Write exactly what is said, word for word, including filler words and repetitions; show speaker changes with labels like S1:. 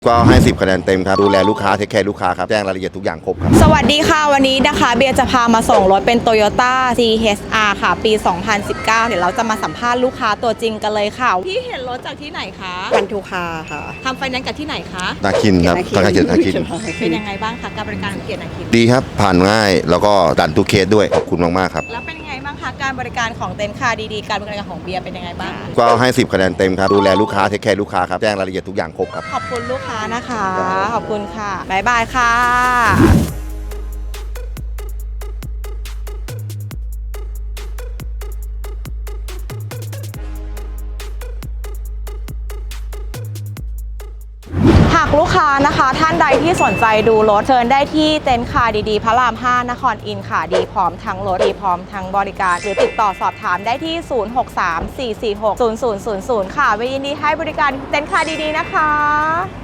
S1: ก็ให้สิบคะแนนเต็มครับดูแลลูกค้าเทคแคร์ลูกค้าครับแจ้งรายละเอียดทุกอย่างครบครับ
S2: สวัสดีค่ะวันนี้นะคะเบียร์จะพามาส่งรถเป็น Toyota ซี เอช อาร์ ค่ะปี สองพันสิบเก้า เดี๋ยวเราจะมาสัมภาษณ์ลูกค้าตัวจริงกันเลยค่ะพี่เห็นรถจากที่ไหนคะ
S3: พันธุคาค่ะ
S2: ทำไฟแนนซ์กับที่ไหนคะ
S1: นาคินครับธนาคารเกียรตินาคิน
S2: เป็นยังไงบ้างคะการบริการของเกียรตินาคิน
S1: ดีครับผ่านง่ายแล้วก็ดันทุกเคสด้วยขอบคุณมากๆครับ
S2: แล้วเป็นยังไงบ้างคะการบริการของเต็นท์คาร์ดีๆการบริการของเบียร์เป็นยังไงบ้าง
S1: ก็ให้สิบคะแนนเต็มครับดูแลลูกค้าเทคแคร์ลูกค้าครับแจ้งรายละเอียดทุกอย่างครบครับ
S2: ขอบคุณลูกค้านะคะขอบคุณค่ะบ๊ายบายค่ะหากลูกค้านะคะท่านใดที่สนใจดูรถเชิญได้ที่เต็นท์คาร์ดีๆพระราม ห้านครอินทร์ค่ะดีพร้อมทั้งรถดีพร้อมทั้งบริการหรือติดต่อสอบถามได้ที่ ศูนย์ หก สาม สี่ สี่ หก ศูนย์ ศูนย์ ศูนย์ ศูนย์ ค่ะไว้ยินดีให้บริการเต็นท์คาร์ดีๆนะคะ